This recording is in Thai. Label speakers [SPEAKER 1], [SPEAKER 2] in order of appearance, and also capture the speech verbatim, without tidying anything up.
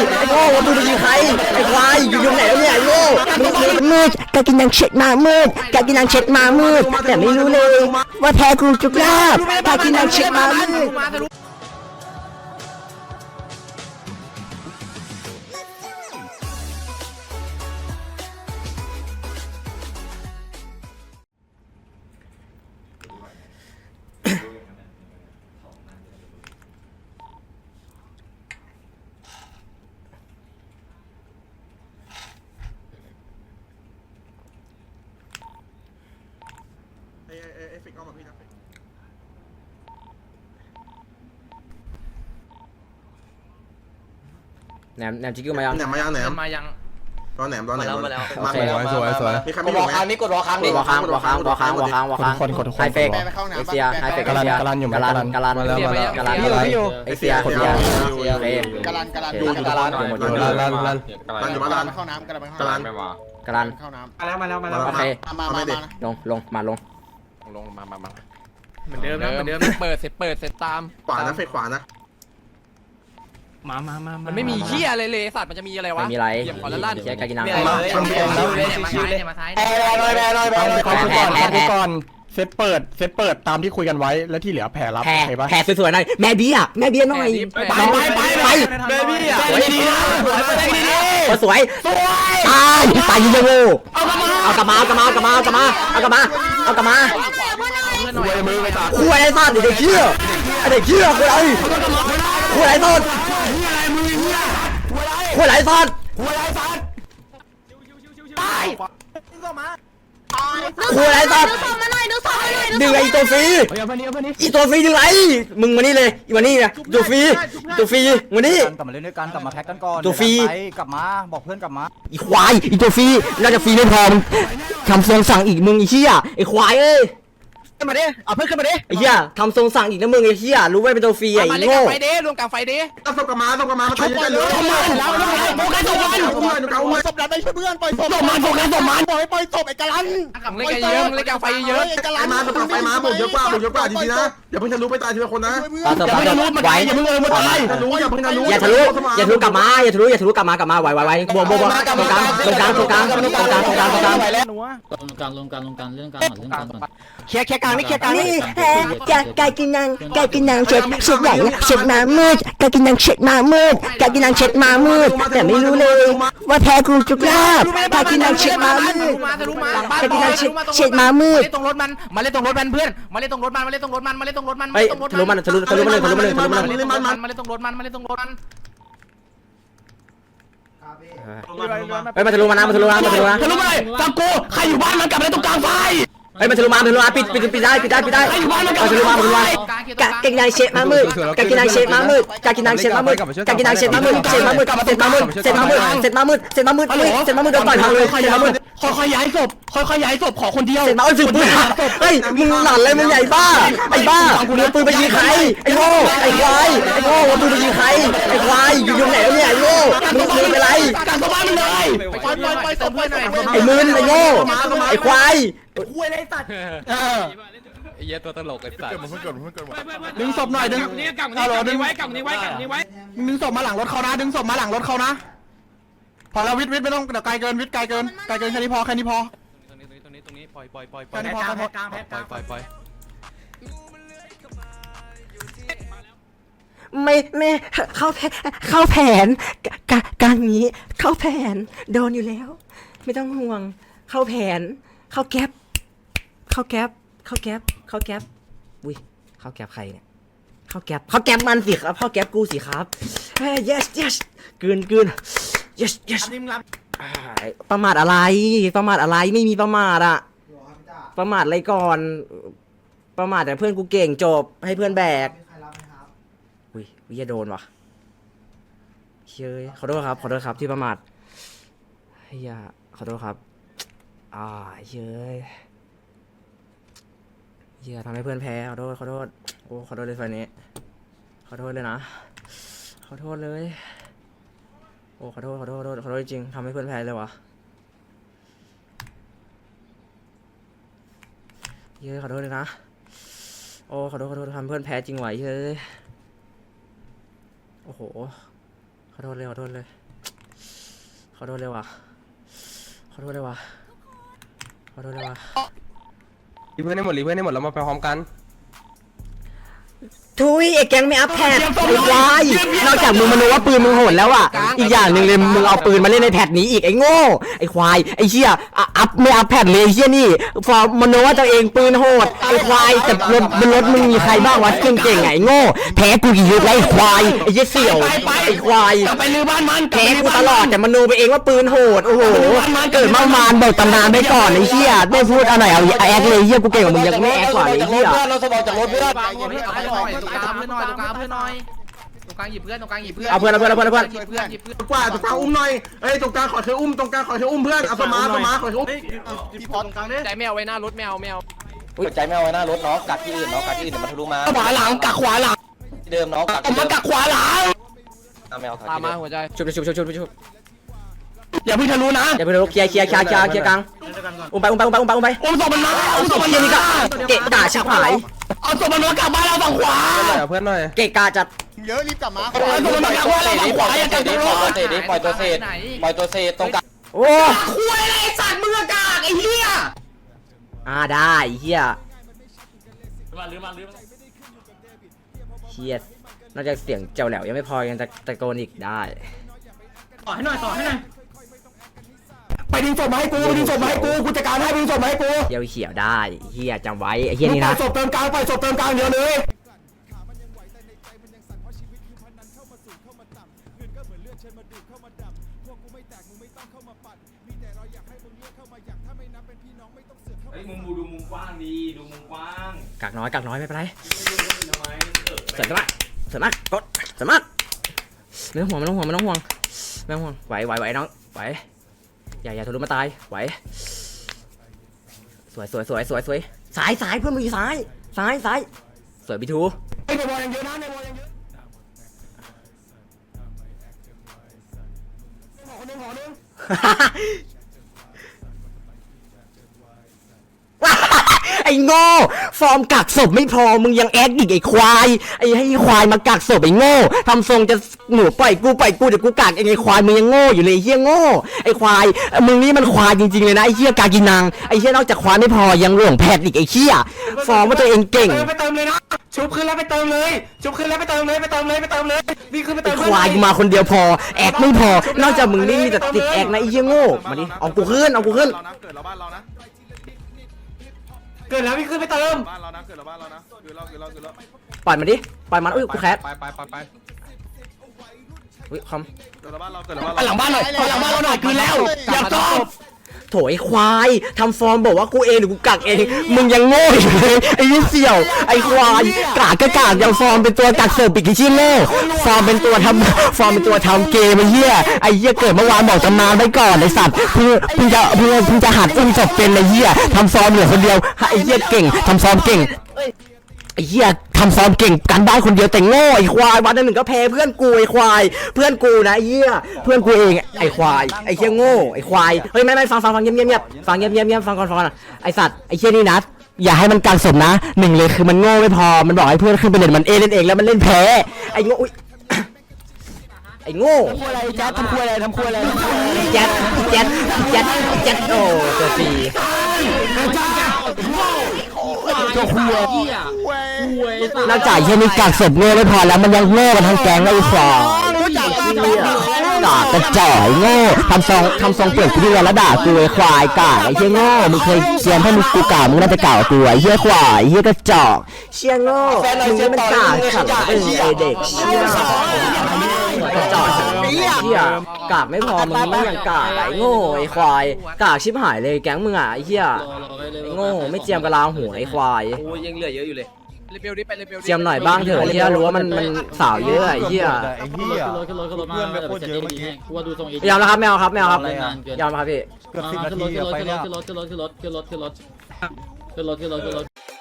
[SPEAKER 1] ไอ้โง่มึงไปยิงใครไอ้ควายอยู่ตรงไหนเนี่ยไอ้โง่มืดกากินังเช็ดมามืดกากินังเช็ดมามืดแต่ไม่รู้เลยว่าแพ้กูจุกลาบกากินังเช็ดมามืด
[SPEAKER 2] ไอ้ไอ้ไอ้ฟิกเอามาพี่นะฟิก
[SPEAKER 1] แหนมแหนมจิกกิ้วมายัง
[SPEAKER 2] แหนมมายังแหนม
[SPEAKER 3] มายัง
[SPEAKER 2] ตอนแหนมตอนแหนม
[SPEAKER 3] มาแล้ว
[SPEAKER 1] โอเค
[SPEAKER 2] สวยสวยมีใครไม่อยู่ไหม
[SPEAKER 1] กดวอค้างวอค้างวอค้างวอค้างวอค้างวอค้างไฮเฟกเอ็กเซียไฮเฟกเอ็กเซียกาลันอยู่กาลันกาลันกาลันกาลันเอ็กเซียเอ็กเซียเฟก
[SPEAKER 4] กาลันกาลัน
[SPEAKER 1] อยู่กาลันอยู่หมดอยู่กาลัน
[SPEAKER 2] รันรันอยู่บ้านรัน
[SPEAKER 4] เข้าน้ำกาลัน
[SPEAKER 2] กาลัน
[SPEAKER 1] กาลัน
[SPEAKER 4] เข้าน้
[SPEAKER 3] มาแล้วมาแล้วมาแล้ว
[SPEAKER 1] โอเค
[SPEAKER 4] ำมามามา
[SPEAKER 1] ลงลงมาลง
[SPEAKER 5] ลงมามามา
[SPEAKER 3] เหมือนเดิมนะเหมือนเดิม
[SPEAKER 5] เปิดเสร็จเปิดเสร็จตาม
[SPEAKER 2] ขวานะเฟกขวานะ
[SPEAKER 3] มามามา
[SPEAKER 5] มันไม่มีเหี้ยอะไรเลยสัตว์มันจะมีอะไรวะ
[SPEAKER 1] ไม่มีอะไร
[SPEAKER 5] เหยียบก่อนแล้วลั่น
[SPEAKER 1] เชียร์กากินัง
[SPEAKER 3] มาชิวเลยมาซ้าย
[SPEAKER 6] แพ้ลอยแพ้ลอยแพ้ลอยก่อนก่อนก่อนเซตเปิดเซตเปิดตามที่คุยกันไว้แล้วที่เหลือแผ่รับ
[SPEAKER 1] แพ้
[SPEAKER 6] โอเคปะ
[SPEAKER 1] แพ้สวยๆหน่อยแม่เบี้ยแม่เบี้ยหน่อย
[SPEAKER 5] ไป
[SPEAKER 1] ไปไปไปไป
[SPEAKER 6] เบบี้อ่ะ
[SPEAKER 1] สวย
[SPEAKER 6] ดีนะดีดี
[SPEAKER 1] สวยตายตายยิงยังโง่เอากลับมาเอากลับมาเอากลับมาเอากลับมาเอากลับมาเอากลับมา
[SPEAKER 6] คุยมือไปตัด
[SPEAKER 1] คุยไอ้สัตว์เด็กเชี่ยไอ้เด็กเชี่ยคุยอะไรคุยอะไรสัตว์คุยอะไรสัตว์คุยอะไรสัตว์ดึงไอ้ตัวฟรีอีตัวฟรีดึงไรมึงมานี่เลยอีมานี่นะตัวฟรีตัวฟรีมานี่
[SPEAKER 7] กลับมาเล่นด้วยกันกลับมาแพ็กกันก่อน
[SPEAKER 1] ตัวฟรี
[SPEAKER 7] กลับมาบอกเพื่อนกลับมา
[SPEAKER 1] อีควายอีตัวฟรีน่าจะฟรีไม่พอมึงทำทรงสั่งอีกมึงไอ้เชี่ยไอ้ควายเอ้ย
[SPEAKER 7] ขึ้นมาดิเอาเพื่อนขึ้นมาดิ
[SPEAKER 1] ไอ้เหี้ยทำทรงสั่งอีกนะมึงไอ้เหี้ยรู้ไว้เป็นตัวฟรีไอ้
[SPEAKER 5] มาเล่น
[SPEAKER 1] โง่
[SPEAKER 5] กับไฟเดย์รวมกับไฟเดย์
[SPEAKER 2] ต้องส่งกลับมาส่งกลับมามาตีกันเลย
[SPEAKER 4] แล้วแล้วแล้วโฟกัสศพมัน
[SPEAKER 2] เอาไว้เอาไว้
[SPEAKER 4] ศพนั้นไปช่วยเพื่อนปล่อยศพมันโฟกัสศพมันปล่อยปล่อยศพไอ้กาลัน
[SPEAKER 5] เล่นกันเยอะเล่นกับไฟเยอะ
[SPEAKER 4] ไอ้กา
[SPEAKER 2] ไป
[SPEAKER 4] ลัน
[SPEAKER 2] มาส่งไปมาบุกเยอะกว่าบุกเยอะกว่าดีๆนะอย่าเพิ่งทะลุไปตายทีละคนนะ
[SPEAKER 1] ปาเถอะปาเถอะไหว
[SPEAKER 6] อย่าเพิ่งเออมาตาย
[SPEAKER 2] ทะลุอย่าเพิ่งทะลุ
[SPEAKER 1] อย่าทะลุอย่าทะลุกลับมาอย่าทะลุอย่าทะลุกลับมากลับมาไหวไหวไหวบวกบวกบวกตรงกลางตรงกลางตรงกลางตรงกลางตรงกลางตรงกลางตรงกลาง
[SPEAKER 8] ลงกลางลงกลางลงกลางเรื่องกลางก่อนเรื่องกลางก่อน
[SPEAKER 7] เคลียร์เคลียร์กลางนี่เคลียร์กลางนี่
[SPEAKER 1] กากากินังกากินังเช็ดเช็ดใหญ่เช็ดมามืดกากินังเช็ดมามืดกากินังเช็ดมามืดแต่ไม่รู้เลยว่าแพ้กูจุกลาบกากินังเช็ดมามืด
[SPEAKER 5] มาทะลุมาหลังบ้าน
[SPEAKER 1] กากินังเช็ดเช็ดมามืด
[SPEAKER 5] เล่นตรงรถมันมาเล่นตรงรถมันเพื่อนมาเล่นตรงรถมันมาเล่นตรงรถมันมาเล่นตรงรถมัน
[SPEAKER 1] เฮ้ยทะลุมันทะลุทะลุมันเลยทะลุมันเลยทะลุมันเลย
[SPEAKER 5] มาเล่นตรงรถมันมาเล่นตรงรถมันมาเล่นตรงรถมัน
[SPEAKER 1] เฮ้ยมาทะลุมานะมาทะลุมามาทะลุมา
[SPEAKER 6] ทะลุไปจับกูใครอยู่บ้านมันกลับไปตรงกลางไฟ
[SPEAKER 1] เฮ้ยมาทะลุมาทะลุมาปิดปิดปิดได้ปิดได้ปิดได้มาทะลุมาทะลุมากากินังเช็ดมามืดกากินังเช็ดมามืดกากินังเช็ดมามืดกากินังเช็ดมามืดเช็ดมามืดเช็ดมามืดเช็ดมามืดเช็ดมามืดเช็ดมามืดเช็ดมามืดเดินต่อยทางเลยเช็ดมามืด
[SPEAKER 6] ค่อยๆย้ายศพค่อยๆย้ายศพขอคนเดียว
[SPEAKER 1] เสร็จมาเอาถือปืนเฮ้ยมึงหลอนเลยมึงใหญ่บ้าไอ้บ้ามึงเอาปืนไปยิงใครไอ้โง่ไอ้ควายไอ้โง่เอาปืนไปยิงใครไอ้ควายอยู่ตรงไหนแล้วเนี่ยไอ้โง่มึงมึงเป็นไร
[SPEAKER 6] กลางบ้านมันเลย
[SPEAKER 4] ปล่อยปล่อยปล่อยศพปล่อยศพ
[SPEAKER 1] ไอ้มึนไอ้โง่ไอ้ควาย
[SPEAKER 6] เออ
[SPEAKER 5] ไอ้เหี้ยตัวตลกไอ้สัตว์
[SPEAKER 6] ดึงศพหน่อยดึง
[SPEAKER 3] นี่กลับนี้ดึงไว้กลับนี้ไว้กลับนี้ไว้
[SPEAKER 6] ดึงศพมาหลังรถเขานะดึงศพมาหลังรถเขานะพอแล้ววิทย์วิทย์ไม่ต้องเดี๋ยวไกลเกินวิทย์ไกลเกินไกลเกินแค่นี้พอแค่นี้พอ
[SPEAKER 5] ตรงนี้ตรงนี้ตรงนี้ปล่อยปล่อยปล่อยปล่
[SPEAKER 6] แค่
[SPEAKER 5] อย
[SPEAKER 6] นี้พอแค่นี้พอ
[SPEAKER 3] กลางแพ็ก
[SPEAKER 5] ปล่อยปล่อยปล่อย
[SPEAKER 1] ไม่ไม่เข้าแผนเข้าแผนกะการนี้เข้าแผนโดนอยู่แล้ว ไม่ต้องห่วงเข้าแผนเข้าแก๊ปเข้าแก๊ปเข้าแก๊ปเข้าแก๊ปอุ้ยเข้าแก๊ปใครเนี่ยเข้าแก๊ปเข้าแก๊ปมันสิครับเข้าแก๊ปกูสิครับเฮ้ย yes yes กืนกืน yes yes ประมาทอะไรประมาทอะไรไม่มีประมาทอะประมาทอะไรก่อนประมาทแต่เพื่อนกูเก่งจบให้เพื่อนแบกอุ้ยวิจะโดนวะเฮ้ยขอโทษครับขอโทษครับที่ประมาทเฮียขอโทษครับอ่าเฮ้ยเฮียทำให้เพื่อนแพ้ขอโทษขอโทษโอ้ขอโทษเลยไฟนี้ขอโทษเลยนะขอโทษเลยโอ้ขอโทษขอโทษขอโทษขอโทษจริงทำให้เพื่อนแพ้เลยวะเฮ้ยขอโทษเลยนะโอ้ขอโทษขอโทษทำเพื่อนแพ้จริงไหวเฮ้ยโอ้โหขออโทษเลยขอโทษเลยขอโทษเลยว่ะขอโทษเลยว่ะขอโทษเลยว่ะ
[SPEAKER 2] รีเพื่อนให้หมดรีเพื่อนให้หมดแล้วมาไปพร้อมกัน
[SPEAKER 1] ทุยไอ้แก๊งไม่อัพแพดไอ้ควายนอกจากมึงมโนว่าปืนมึงโหดแล้วอ่ะอีกอย่างหนึ่งเลยมึงเอาปืนมาเล่นในแพดนี้อีกไอ้โง่ไอ้ควายไอ้เชี่ยอ่ะอัพไม่อัพแพดเลยไอ้เชี่ยนี่ฟอร์มโนว่าตัวเองปืนโหดไอ้ควายแต่รถบนรถมึงมีใครบ้างวะเก่งๆไอ้โง่แพ้กูกี่ยุคแล้วไอ้ควายไอ้เชี่ยเสี่ยวไอ้ควาย
[SPEAKER 6] ไปลือบ้านมัน
[SPEAKER 1] แพ้กูตลอดแต่มโนไปเองว่าปืนโหดโอ้โหเกิดมามานบอกตำนานไปก่อนไอ้เชี่ยได้พูดอะไรเอาแอคเลยเชี่ยกูเก่งกว่ามึงยังไม่แอคกว่าไอ้เชี่ย
[SPEAKER 6] เราสมองจากรถเพื่อน
[SPEAKER 3] ตรงกลางเพื่อนหน่อยตรงกลางเพื่อนหน่อยตรงกลางเพื่อนหน่อยตรงกลางหยิบเพื่อนตรงกลางหยิบเพื่อน
[SPEAKER 1] เอาเพื่อนเอาเพื่อนเอาเพื่อนเอาเพื่อน
[SPEAKER 3] หยิบเพื่อนหยิบเพื่อน
[SPEAKER 2] กว่าตรงกลางอุ้มหน่อยเอ้ยตรงกลางขอเธออุ้มตรงกลางขอเธออุ้มเพื่อนเอาสมาสมาขอเธออุ้ม
[SPEAKER 3] ใจไม่เอาไว้หน้ารถไม่เอาไม่เอา
[SPEAKER 7] ใจไม่เอาไว้หน้ารถน้องกัดที่อื่นน้องกัดที่อื่นเดี๋ยวมันทะลุมา
[SPEAKER 6] ขวาหลังกักขวาหลัง
[SPEAKER 7] ที่เดิมน้องกัด
[SPEAKER 6] ผมมากักขวาหลัง
[SPEAKER 7] แมว
[SPEAKER 3] ตามมาหัวใจ
[SPEAKER 1] ชุบชุบชุบชุบชุบ
[SPEAKER 6] อย่าเพิ่งทะลุนะ
[SPEAKER 1] อย่าไปเคลียร์เคลียร์เคลียร์เคลียร์เคลียร์กลางอุ้มไปอุ้มไปอุ้มไปอุ้มไปอุ้มไป
[SPEAKER 6] อุ้มศพมันมาอุ้มศพมัน
[SPEAKER 1] เฮียนี่ก็
[SPEAKER 6] มา
[SPEAKER 1] เกะกะชิบหาย
[SPEAKER 6] เอาศพมันมากลับบ้านเราฝั่งขวา
[SPEAKER 2] เพื่อนหน่อย
[SPEAKER 1] เกะกะจัด
[SPEAKER 4] เยอะรีบกลับมา
[SPEAKER 6] เอาศพมันมากลับบ้านเราฝั่งขวาอย่ากักรถ
[SPEAKER 7] เศษดิปล่อยตัวเศษปล่อยตัวเศษตรงกลาง
[SPEAKER 1] โอ้
[SPEAKER 6] คุยอะไรสัตว์มึงกากไอ้เหี้ย
[SPEAKER 1] อ่าได้เฮียเฮียนอกจากเสียงเจ้าแหลวยังไม่พอยังตะตะโกนอีกได้
[SPEAKER 3] ต่อให้หน่อยต่อให้หน่อย
[SPEAKER 6] ไปดึงศพมาให้กูดึงศพมาให้กูกูจัดการให้ดึงศพมาให้กู
[SPEAKER 1] เฮียเขียวได้เฮียจำไว้ไอ้เฮียนี่
[SPEAKER 6] ปล่
[SPEAKER 1] นะ
[SPEAKER 6] อยศพเติมกลางปล่อยศพเติมกลางเดียวเลย
[SPEAKER 3] มุมดูมุมกว้างดีดูมุมกว้าง
[SPEAKER 1] กักน้อยกักน้อยไม่เป็นไรเสร็จมากเสร็จมากกดเสร็จมากไม่ต้องห่วงไม่ต้องห่วงไม่ต้องห่วงไม่ต้องห่วงไหวไหวไหวน้องไหวอย่าอย่าทะลุมาตายไหวสวยสวยสวยสวยสวยสายสายเพื่อนมึงอยู่ซ้ายซ้ายซ้ายสวยบีทู
[SPEAKER 6] ไอ้ในวอลยังเยอะนะในวอลยังเยอะหอหนึ่งหอหนึ่ง
[SPEAKER 1] ไอ้โง่ฟอร์มกักศพไม่พอมึงยังแอคอีกไอ้ควายไอ้ให้ควายมากักศพไอ้โง่ทำทรงจะหนูปล่อยกูปล่อยกูเดี๋ยวกูกักไอ้ควายมึงยังโง่อยู่เลยไอ้เหี้ยโง่ไอ้ควายมึงนี่มันควายจริงๆเลยนะไอ้เหี้ยกากินังไอ้เหี้ยนอกจากควายไม่พอยังหลวงแพทย์อีกไอ้เหี้ยฟอร์มว่าตัวเองเก่ง
[SPEAKER 6] ไปเติมเลยนะชุบขึ้นแล้วไปเติมเลยชุบขึ้นแล้วไปเติมเลยไปเติมเลยไปเติมเลยนี่ขึ้นไปเติ
[SPEAKER 1] ไอ้
[SPEAKER 6] ม
[SPEAKER 1] ควายกูมาคนเดียวพอแอคไม่พอนอกจากมึงนี่มีแต่ติดแอคนะไอ้เหี้ยโง่มาดิเอากูขึ้นเอากูขึ้น
[SPEAKER 2] เรานะเกิดเราบ้านเรานะ
[SPEAKER 6] เกิดแล้วพี่ขึ้นไปเติม
[SPEAKER 2] บ้านเรานะเกิดเราบ้านเรานะเกิดเราเกิดเราเกิดเรา
[SPEAKER 1] ปล่อยมันดิปล่อยมันอุ้ยกูแคส
[SPEAKER 2] ไปไปไปไป
[SPEAKER 1] อุ้ยคอม
[SPEAKER 2] เกิดเราบ้านเราเกิดเราบ้าน
[SPEAKER 6] ไปหลังบ้านหน่อยไปหลังบ้านเราหน่อยคืนแล้วอย่าจบ
[SPEAKER 1] โถไอ้ควายทำฟอร์มบอกว่ากูเองหรือกูกักเองมึงยังโง่อยู่เลยไอ้ยี่เสี่ยวไอ้ควายกากก็กากยังฟอร์มเป็นตัวกักเสิร์ฟปิกชิ้นโง่ฟอร์มเป็นตัวทำฟอร์มเป็นตัวทำเกมไอ้เหี้ยไอ้เหี้ยเกิดเมื่อวานบอกตำนานไว้ก่อนไอ้สัตว์เพิ่งเพิ่งจะเพิ่งเพิ่งจะหัดอุ้มศพเป็นไอ้เหี้ยทำฟอร์มเหลือคนเดียวไอ้เหี้ยเก่งทำฟอร์มเก่งไอ้เหี้ยทำฟอร์มเก่งกันได้คนเดียวแต่โง่ไอ้ควายวันหนึ่งก็แพ้เพื่อนกูไอ้ควายเพื่อนกูนะไอ้เหี้ยเพื่อนกูเองไอ้ควายไอ้เหี้ยโง่ไอ้ควายเฮ้ยไม่ไม่ฟังฟังฟังเงียบเงียบเงียบฟังเงียบเงียบเงียบฟังก่อนฟังก่อนไอ้สัตว์ไอ้เหี้ยนี่นะอย่าให้มันกลางสมนะหนึ่งเลยคือมันโง่ไม่พอมันบอกให้เพื่อนขึ้นไปเล่นมันเอเล่นเองแล้วมันเล่นแพ้ไอ้โง่อุ๊ยไอ้โง่
[SPEAKER 6] ทำคุยอะไรแจ๊ดทำคุยอะไรทำคุยอะไร
[SPEAKER 1] แจ็ดแจ็ดแจ็ดแจ็ดโอ้ตัวสี่
[SPEAKER 6] ตัวคุย
[SPEAKER 8] เหี้ยคุยสัตว์
[SPEAKER 1] นอกจากเหี้ยนี่กากศพโง่ไม่พอแล้วมันยังโง่กันทั้งแก๊งเลยไอ้ควาย ด่ากระจ่อยโง่ทำซองทำซองเปิดกูดีแล้วด่ากูไอ้ควายกากไอ้เหี้ยโง่มึงเคยเชียร์ให้มึงกูกากมึงน่าจะกากกว่ากูไอ้เหี้ยควายไอ้เหี้ยกระจอกเชียร์โง่มึงนี่มันกากขัดเป็นไอเด็กเชี่ยกระจอกเหี้ยกากไม่พอมึงไม่ยังกากไอ้โง่ไอ้ควายกากชิบหายเลยแก๊งมึงอ่ะไอ้เหี้ยไอ้โง่ไม่เจียมกะลาหัวไอ้ควาย
[SPEAKER 3] โอ้ยยังเหลือเยอะอยู่เลยเรเบลดิไปเรเบลดิ
[SPEAKER 1] เจียมหน่อยบ้างเถอะไอ้เหี้ยรู้ว่ามันมันสาวเยอะไอ้เหี้ย
[SPEAKER 8] ไอ้เหี้ยขึ้นรถขึ้นรถขึ้นรถมาเดี๋ยวจะดีให้กูว่าดูทรงอีก
[SPEAKER 1] ยอมแล้วครับไม่เอาครับไม่เอาครับ
[SPEAKER 8] นานเกิน
[SPEAKER 1] ยอมครับพี่
[SPEAKER 8] ขึ้นรถขึ้นรถขึ้นรถขึ้นรถขึ้นรถขึ้นรถขึ้นรถขึ้นรถขึ้นรถขึ้นรถขึ้นรถ